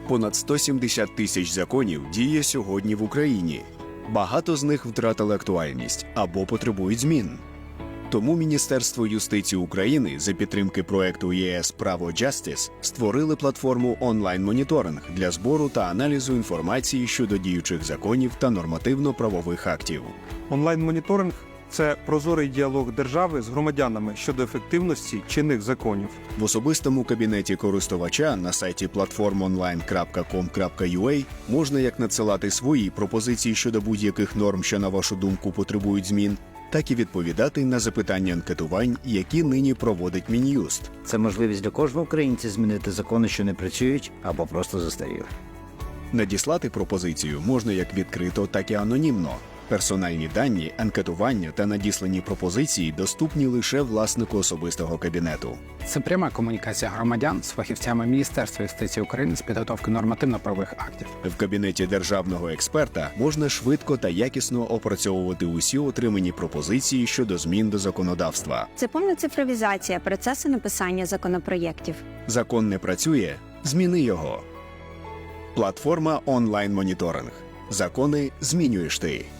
Понад 170 тисяч законів діє сьогодні в Україні. Багато з них втратили актуальність або потребують змін. Тому Міністерство юстиції України за підтримки проекту ЄС «Право Justice» створили платформу онлайн-моніторинг для збору та аналізу інформації щодо діючих законів та нормативно-правових актів. Онлайн-моніторинг – це прозорий діалог держави з громадянами щодо ефективності чинних законів. В особистому кабінеті користувача на сайті platformonline.com.ua можна як надсилати свої пропозиції щодо будь-яких норм, що, на вашу думку, потребують змін, так і відповідати на запитання анкетувань, які нині проводить Мін'юст. Це можливість для кожного українця змінити закони, що не працюють або просто застаріли. Надіслати пропозицію можна як відкрито, так і анонімно. Персональні дані, анкетування та надіслані пропозиції доступні лише власнику особистого кабінету. Це пряма комунікація громадян з фахівцями Міністерства юстиції України з підготовки нормативно-правових актів. В кабінеті державного експерта можна швидко та якісно опрацьовувати усі отримані пропозиції щодо змін до законодавства. Це повна цифровізація процесу написання законопроєктів. Закон не працює? Зміни його. Платформа онлайн-моніторинг. Закони змінюєш ти.